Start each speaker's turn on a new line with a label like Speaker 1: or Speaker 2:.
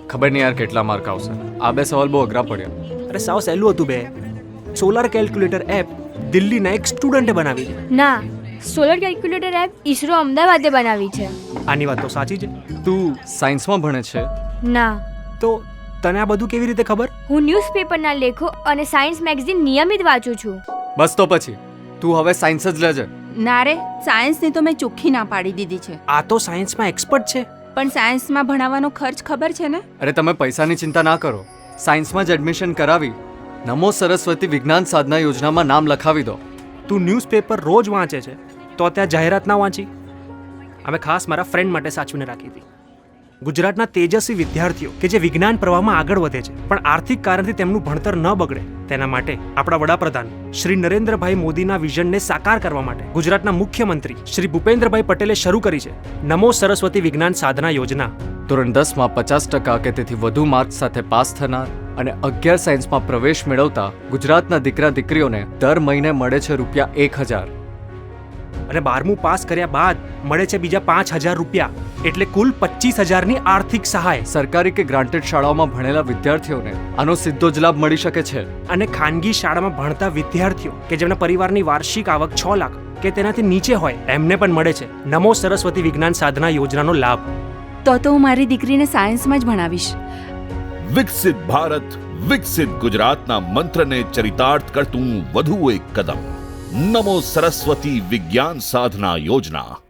Speaker 1: ખબર નહીં યાર કેટલા માર્ક આવશે. આ બે સવાલ બહુ અઘરા પડ્યા.
Speaker 2: અરે સાવ સહેલું હતું બે. સોલાર કેલ્ક્યુલેટર એપ દિલ્હીના એક સ્ટુડન્ટે બનાવી છે.
Speaker 3: ના, સોલર કેલ્ક્યુલેટર એપ ઈસરો અમદાવાદે બનાવી છે.
Speaker 2: આની વાત તો સાચી છે.
Speaker 1: તું સાયન્સમાં ભણે છે?
Speaker 3: ના,
Speaker 2: તો તને આ બધું કેવી રીતે ખબર?
Speaker 3: હું ન્યૂઝપેપરના લેખો અને સાયન્સ મેગઝીન નિયમિત વાંચું છું.
Speaker 1: બસ તો પછી તું હવે સાયન્સ જ લેજે.
Speaker 4: ના રે, સાયન્સની તો મેં ચોખ્ખી ના પાડી દીધી છે.
Speaker 2: આ તો સાયન્સમાં એક્સપર્ટ છે.
Speaker 4: પણ સાયન્સમાં ભણાવવાનો ખર્ચ ખબર છે ને?
Speaker 1: અરે તમે પૈસાની ચિંતા ના કરો. સાયન્સમાં જ એડમિશન કરાવી નમો સરસ્વતી વિજ્ઞાન સાધના યોજનામાં નામ લખાવી દો.
Speaker 2: તું ન્યૂઝપેપર રોજ વાંચે છે તો ત્યાં જાહેરાત ના વાંચી? અમે ખાસ મારા ફ્રેન્ડ માટે સાચવીને રાખી હતી. ગુજરાતના તેજસ્વી વિદ્યાર્થીઓ કે જે વિજ્ઞાન પ્રવાહમાં આગળ વધે છે પણ આર્થિક કારણથી તેમનું ભણતર ન બગડે તેના માટે આપણા વડાપ્રધાન શ્રી નરેન્દ્રભાઈ મોદીના વિઝનને સાકાર કરવા માટે ગુજરાતના મુખ્યમંત્રી શ્રી ભૂપેન્દ્રભાઈ પટેલે શરૂ કરી છે નમો સરસ્વતી વિજ્ઞાન સાધના યોજના.
Speaker 1: ધોરણ 10માં 50% કે તેથી વધુ માર્ક્સ સાથે પાસ થનાર અને 11 સાયન્સમાં પ્રવેશ મેળવતા ગુજરાતના દીકરા દીકરીઓને દર મહિને મળે છે ₹1000.
Speaker 2: અને 12મું પાસ કર્યા બાદ મળે છે બીજા 5000 રૂપિયા, એટલે કુલ 25000ની આર્થિક સહાય.
Speaker 1: સરકારી કે ગ્રાન્ટેડ શાળાઓમાં ભણેલા વિદ્યાર્થીઓને આનો સીધો જ લાભ મળી શકે છે.
Speaker 2: અને ખાનગી શાળામાં ભણતા વિદ્યાર્થીઓ કે જેમના પરિવારની વાર્ષિક આવક 6 લાખ કે તેનાથી નીચે હોય એમને પણ મળે છે નમો સરસ્વતી વિજ્ઞાન સાધના યોજનાનો લાભ.
Speaker 4: તો હું મારી દીકરીને સાયન્સમાં જ ભણાવીશ.
Speaker 5: વિકસિત ભારત વિકસિત ગુજરાતના મંત્રને ચરિતાર્થ કરતું વધુ એક કદમ. નમો સરસ્વતી વિજ્ઞાન સાધના યોજના.